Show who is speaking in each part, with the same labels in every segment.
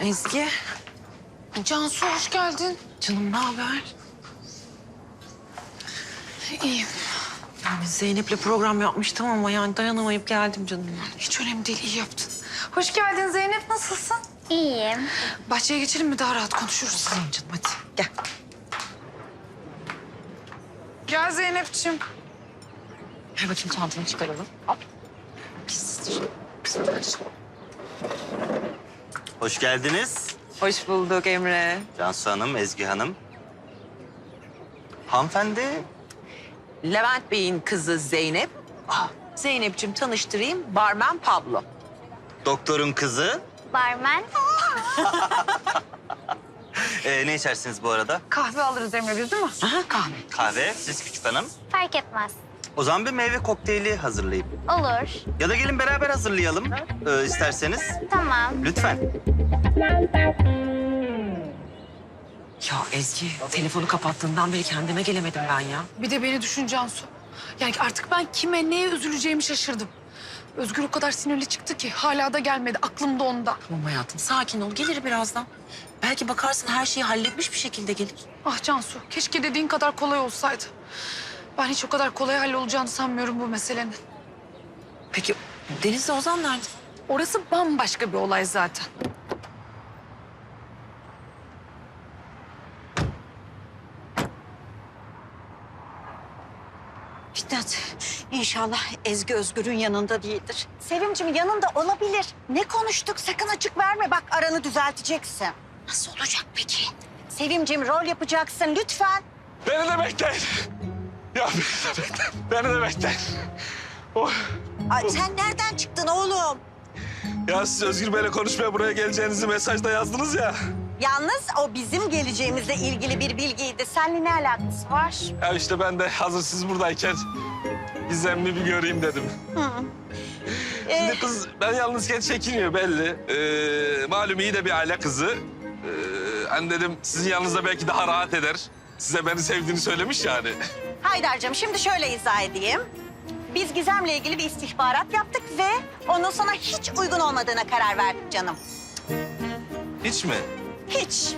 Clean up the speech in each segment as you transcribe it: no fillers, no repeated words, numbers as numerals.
Speaker 1: Ezgi.
Speaker 2: Cansu hoş geldin.
Speaker 1: Canım ne haber?
Speaker 2: İyiyim.
Speaker 1: Yani Zeynep'le program yapmıştım ama yani dayanamayıp geldim canım.
Speaker 2: Hiç önemli değil, iyi yaptın. Hoş geldin Zeynep, nasılsın?
Speaker 3: İyiyim.
Speaker 2: Bahçeye geçelim mi? Daha rahat konuşuruz.
Speaker 1: Tamam canım hadi gel.
Speaker 2: Gel Zeynep'ciğim.
Speaker 1: Ver bakayım çantanı çıkaralım. Hop. Pistir. Pistir.
Speaker 4: Hoş geldiniz.
Speaker 1: Hoş bulduk Emre.
Speaker 4: Cansu Hanım, Ezgi Hanım. Hanımefendi,
Speaker 1: Levent Bey'in kızı Zeynep. Zeynep'ciğim tanıştırayım. Barmen Pablo.
Speaker 4: doktorun kızı.
Speaker 3: Barmen.
Speaker 4: Ne içersiniz bu arada?
Speaker 2: Kahve alırız Emre biz değil mi?
Speaker 1: Aha kahve.
Speaker 4: Kahve, siz küçük hanım.
Speaker 3: Fark etmez.
Speaker 4: O zaman bir meyve kokteyli hazırlayayım.
Speaker 3: Olur.
Speaker 4: Ya da gelin beraber hazırlayalım isterseniz.
Speaker 3: Tamam.
Speaker 4: Lütfen.
Speaker 1: Ya Ezgi telefonu kapattığından beri kendime gelemedim ben ya.
Speaker 2: Bir de beni düşün Cansu. Yani artık ben kime, neye üzüleceğimi şaşırdım. Özgür o kadar sinirli çıktı ki hala da gelmedi. Aklım da onda.
Speaker 1: Tamam hayatım sakin ol gelir birazdan. Belki bakarsın her şeyi halletmiş bir şekilde gelir.
Speaker 2: Ah Cansu, keşke dediğin kadar kolay olsaydı. Ben hiç o kadar kolay hallolacağını sanmıyorum bu meselenin.
Speaker 1: Peki Deniz'le Ozan nerede?
Speaker 2: Orası bambaşka bir olay zaten.
Speaker 5: Fitnat, inşallah Ezgi Özgür'ün yanında değildir. Sevimciğim yanında olabilir. Ne konuştuk? Sakın açık verme. Bak aranı düzelteceksin. Nasıl olacak peki? Sevimciğim rol yapacaksın lütfen.
Speaker 6: Beni de bekleyin. Ya beni de bekleyin. Beni de bekleyin. Oh.
Speaker 5: Ay, sen nereden çıktın oğlum?
Speaker 6: Ya siz Özgür Bey'le konuşmaya buraya geleceğinizi mesajda yazdınız ya.
Speaker 5: Yalnız o bizim geleceğimizle ilgili bir bilgiydi. Seninle ne alakası var?
Speaker 6: Ya işte ben de hazır siz buradayken Gizem'i bir göreyim dedim. Şimdi kız ben yalnızken çekiniyor belli. Malum iyi de bir aile kızı. Hani dedim sizin yanınızda belki daha rahat eder. Size beni sevdiğini söylemiş yani.
Speaker 5: Haydar'cığım şimdi şöyle izah edeyim. Biz Gizem'le ilgili bir istihbarat yaptık ve onun sana hiç uygun olmadığına karar verdik canım.
Speaker 6: Hiç mi?
Speaker 5: Hiç.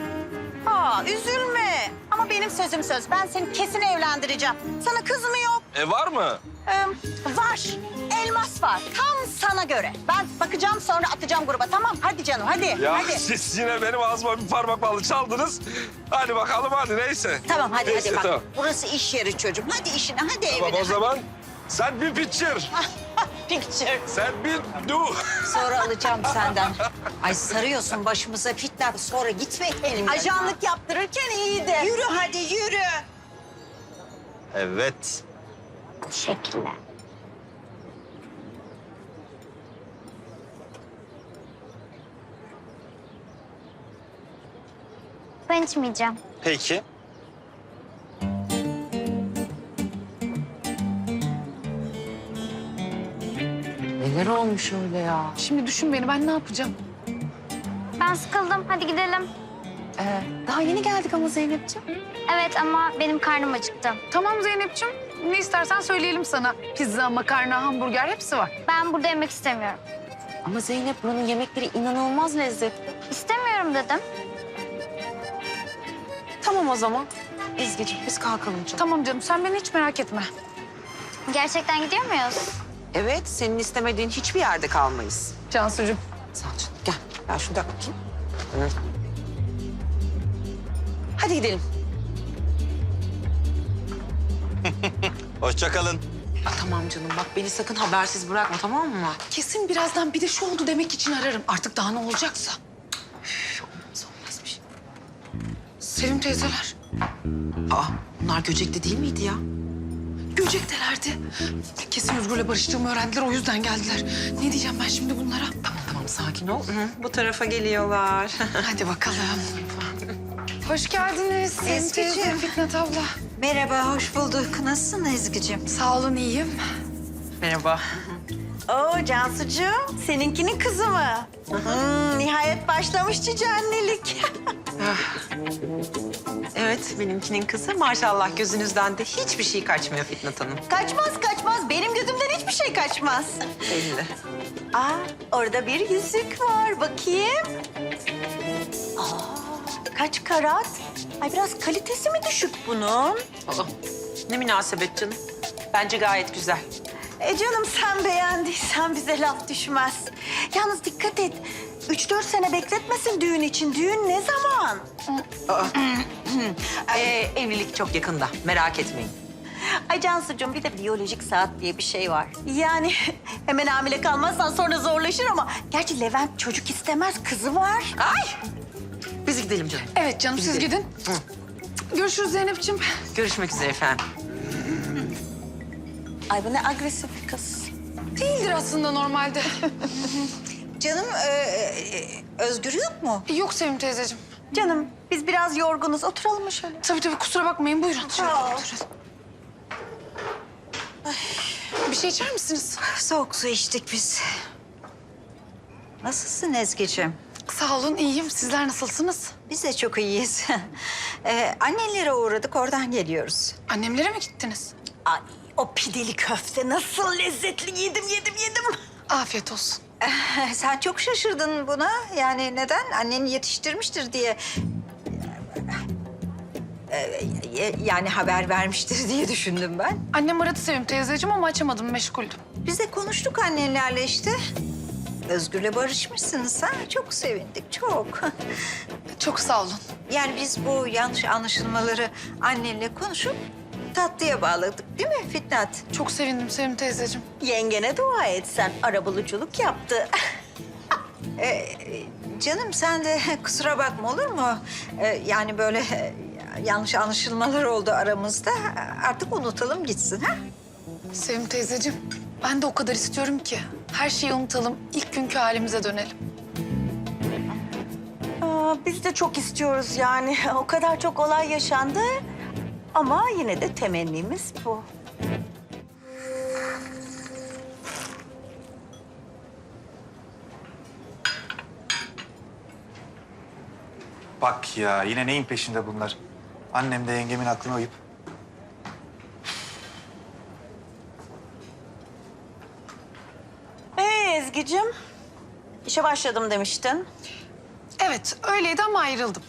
Speaker 5: Üzülme. Ama benim sözüm söz. Ben seni kesin evlendireceğim. Sana kız mı yok?
Speaker 6: Var mı?
Speaker 5: Var. Elmas var. Tam sana göre. Ben bakacağım sonra atacağım gruba. Tamam hadi canım hadi.
Speaker 6: Ya
Speaker 5: Hadi.
Speaker 6: siz yine benim ağzıma bir parmak balı çaldınız. Hadi bakalım hadi neyse.
Speaker 5: Tamam hadi
Speaker 6: Neyse,
Speaker 5: hadi bak.
Speaker 6: tamam.
Speaker 5: Burası iş yeri çocuğum. Hadi işine hadi
Speaker 6: Tamam
Speaker 5: evine.
Speaker 6: o zaman sen bir picture.
Speaker 5: Picture.
Speaker 6: Sen bir do.
Speaker 5: Sonra alacağım senden. Ay sarıyorsun başımıza Fitnat. Sonra gitme elimden. Ajanlık yaptırırken iyiydi. Yürü hadi yürü.
Speaker 4: Evet.
Speaker 3: Teşekkürler. Ben içmeyeceğim.
Speaker 4: Peki.
Speaker 1: Neler olmuş öyle ya?
Speaker 2: Şimdi düşün beni, ben ne yapacağım?
Speaker 3: Ben sıkıldım. Hadi gidelim.
Speaker 1: Daha yeni geldik ama Zeynep'ciğim.
Speaker 3: Evet ama benim karnım acıktı.
Speaker 2: Tamam Zeynep'ciğim, ne istersen söyleyelim sana. Pizza, makarna, hamburger hepsi var.
Speaker 3: Ben burada yemek istemiyorum.
Speaker 1: Ama Zeynep buranın yemekleri inanılmaz lezzetli.
Speaker 3: İstemiyorum dedim.
Speaker 1: Tamam o zaman. Ezgi'ciğim biz kalkalım canım.
Speaker 2: Tamam canım, sen beni hiç merak etme.
Speaker 3: Gerçekten gidiyor muyuz?
Speaker 1: Evet senin istemediğin hiçbir yerde kalmayız.
Speaker 2: Cansucuğum.
Speaker 1: Sağ ol canım. Gel. Ben şurada bakayım. Hı. Hadi gidelim.
Speaker 4: Hoşça kalın.
Speaker 1: Tamam canım bak beni sakın habersiz bırakma tamam mı?
Speaker 2: Kesin birazdan bir de şu oldu demek için ararım. Artık daha ne olacaksa.
Speaker 1: Olmaz olmaz bir şey.
Speaker 2: Sevim teyzeler.
Speaker 1: Bunlar Göcek'te değil miydi ya?
Speaker 2: Göcektelerdi. Kesin Özgür'le barıştığımı öğrendiler, o yüzden geldiler. Ne diyeceğim ben şimdi bunlara?
Speaker 1: Tamam sakin ol. Bu tarafa geliyorlar.
Speaker 2: Hadi bakalım. Hoş geldiniz Sevim teyze,
Speaker 5: Ezgi'ciğim.
Speaker 2: Fitnat abla.
Speaker 5: Merhaba hoş bulduk. Nasılsın Ezgi'cim?
Speaker 2: Sağ olun, iyiyim.
Speaker 1: Merhaba.
Speaker 5: Oo Cansucuğum, seninkinin kızı mı? Nihayet başlamış cici annelik.
Speaker 1: Evet, benimkinin kızı maşallah gözünüzden de hiçbir şey kaçmıyor Fitnat Hanım.
Speaker 5: Kaçmaz kaçmaz. Benim gözümden hiçbir şey kaçmaz.
Speaker 1: Belli.
Speaker 5: Aa, orada bir yüzük var. Bakayım. Kaç karat? Ay biraz kalitesi mi düşük bunun?
Speaker 1: Aa, ne münasebet canım. Bence gayet güzel.
Speaker 5: Canım sen beğendiysen bize laf düşmez. Yalnız dikkat et. 3-4 sene bekletmesin düğün için. Düğün ne zaman?
Speaker 1: Evlilik çok yakında, merak etmeyin.
Speaker 5: Ay Cansucuğum bir de biyolojik saat diye bir şey var. Yani hemen hamile kalmazsan sonra zorlaşır ama... Gerçi Levent çocuk istemez, kızı var.
Speaker 1: Ay! Biz gidelim canım.
Speaker 2: Evet canım siz gidin. Görüşürüz Zeynep'ciğim.
Speaker 1: Görüşmek üzere efendim.
Speaker 5: Ay bu ne agresif bir kız.
Speaker 2: Değildir aslında normalde.
Speaker 5: Canım Özgür yok mu?
Speaker 2: Yok Sevim teyzeciğim.
Speaker 5: Canım biz biraz yorgunuz. Oturalım mı şöyle?
Speaker 2: Tabii kusura bakmayın buyurun. Şöyle
Speaker 5: Sağ ol.
Speaker 2: oturun. Bir şey içer misiniz?
Speaker 5: Soğuk su içtik biz. Nasılsın Ezgi'ciğim?
Speaker 2: Sağ olun iyiyim. Sizler nasılsınız?
Speaker 5: Biz de çok iyiyiz. Annelere uğradık, oradan geliyoruz.
Speaker 2: Annemlere mi gittiniz?
Speaker 5: Ay, o pideli köfte nasıl lezzetli. Yedim.
Speaker 2: Afiyet olsun.
Speaker 5: Sen çok şaşırdın buna. Yani neden? Annen yetiştirmiştir diye. Yani haber vermiştir diye düşündüm ben.
Speaker 2: Annem aradı Sevim teyzeciğim ama açamadım meşguldüm.
Speaker 5: Biz de konuştuk annenlerle işte. Özgür'le barışmışsınız ha. Çok sevindik, çok.
Speaker 2: Çok sağ olun.
Speaker 5: Yani biz bu yanlış anlaşılmaları annenle konuşup tatlıya bağladık değil mi Fitnat?
Speaker 2: Çok sevindim Sevim teyzeciğim.
Speaker 5: Yengene dua et sen. Arabuluculuk yaptı. Canım sen de kusura bakma olur mu? Yani böyle yanlış anlaşılmalar oldu aramızda. Artık unutalım gitsin ha?
Speaker 2: Sevim teyzeciğim ben de o kadar istiyorum ki. Her şeyi unutalım. İlk günkü halimize dönelim.
Speaker 5: Biz de çok istiyoruz yani. O kadar çok olay yaşandı. Ama yine de temennimiz bu.
Speaker 7: Bak ya yine neyin peşinde bunlar? Annem de yengemin aklına uyup.
Speaker 5: Ezgi'cim, işe başladım demiştin.
Speaker 2: Evet öyleydi ama ayrıldım.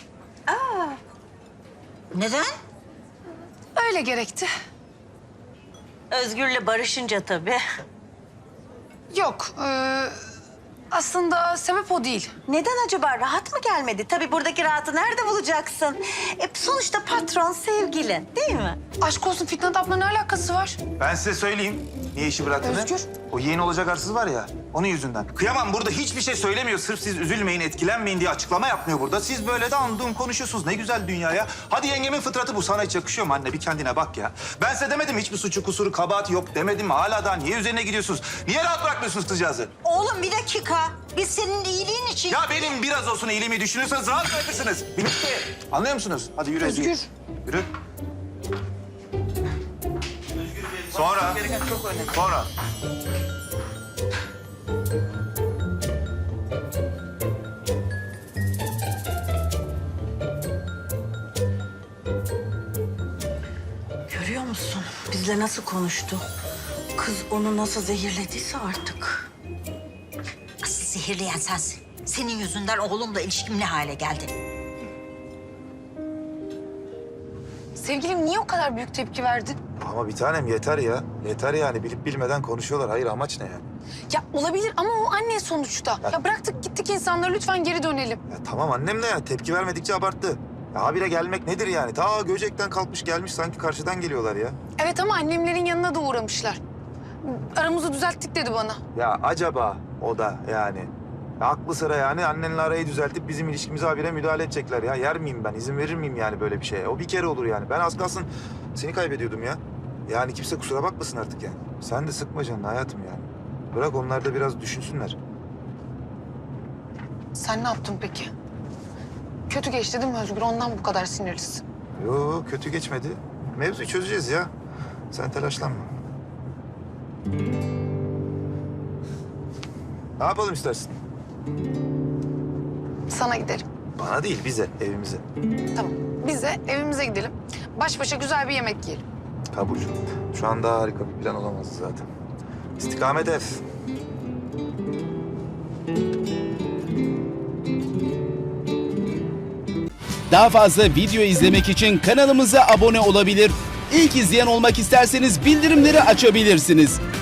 Speaker 5: Neden?
Speaker 2: Öyle gerekti.
Speaker 5: Özgür'le barışınca tabii.
Speaker 2: Yok aslında sebep o değil.
Speaker 5: Neden acaba? Rahat mı gelmedi? Tabii buradaki rahatı nerede bulacaksın? Sonuçta patron sevgilin, değil mi?
Speaker 2: Aşk olsun Fitnat abla ne alakası var?
Speaker 7: Ben size söyleyeyim niye işi bıraktığını.
Speaker 2: Özgür.
Speaker 7: O yeğeni olacak arsız var ya onun yüzünden. Kıyamam burada hiçbir şey söylemiyor. Sırf siz üzülmeyin, etkilenmeyin diye açıklama yapmıyor burada. Siz böyle de andığım konuşuyorsunuz. Ne güzel dünya ya. Hadi yengemin fıtratı bu. Sana hiç yakışıyor mu anne? Bir kendine bak ya. Ben size demedim hiçbir suçu, kusuru, kabahati yok demedim mi? Hala daha niye üzerine gidiyorsunuz? Niye rahat bırakmıyorsunuz kızcağızı?
Speaker 5: Oğlum bir dakika. Biz senin iyiliğin için...
Speaker 7: Ya benim biraz olsun iyiliğimi düşünüyorsanız rahat bırakırsınız. Bitti. Anlıyor musunuz? Hadi yürü Ezgi.
Speaker 2: Özgür.
Speaker 7: Yürü. Sonra. Sonra.
Speaker 5: Görüyor musun? Bizle nasıl konuştu? Kız onu nasıl zehirlediyse artık. Asıl zehirleyen sensin. Senin yüzünden oğlumla ilişkim ne hale geldi?
Speaker 2: Sevgilim niye o kadar büyük tepki verdin?
Speaker 7: Ama bir tanem yeter ya. Yeter yani bilip bilmeden konuşuyorlar. Hayır amaç ne yani?
Speaker 2: Ya olabilir ama o anne sonuçta. Ya bıraktık gittik insanları lütfen geri dönelim.
Speaker 7: Ya tamam annem de ya tepki vermedikçe abarttı. Ya habire gelmek nedir yani? Ta Göcek'ten kalkmış gelmiş sanki karşıdan geliyorlar ya.
Speaker 2: Evet ama annemlerin yanına da uğramışlar. Aramızı düzelttik dedi bana.
Speaker 7: Ya acaba o da yani. Ya aklı sıra yani annenle arayı düzeltip bizim ilişkimize habire müdahale edecekler ya. Yer miyim ben? İzin verir miyim yani böyle bir şeye? O bir kere olur yani. Ben az kalsın seni kaybediyordum ya. Yani kimse kusura bakmasın artık yani. Sen de sıkma canını hayatım yani. Bırak onlar da biraz düşünsünler.
Speaker 2: Sen ne yaptın peki? Kötü geçti değil mi Özgür? Ondan bu kadar sinirlisin.
Speaker 7: Yo kötü geçmedi. Mevzuyu çözeceğiz ya. Sen telaşlanma. Ne yapalım istersin?
Speaker 2: Sana gidelim.
Speaker 7: Bana değil, bize, evimize.
Speaker 2: Tamam. Biz de evimize gidelim. Baş başa güzel bir yemek yiyelim.
Speaker 7: Kabul. Şu anda harika bir plan olamazdı zaten. İstikamet ev.
Speaker 8: Daha fazla video izlemek için kanalımıza abone olabilir. İlk izleyen olmak isterseniz bildirimleri açabilirsiniz.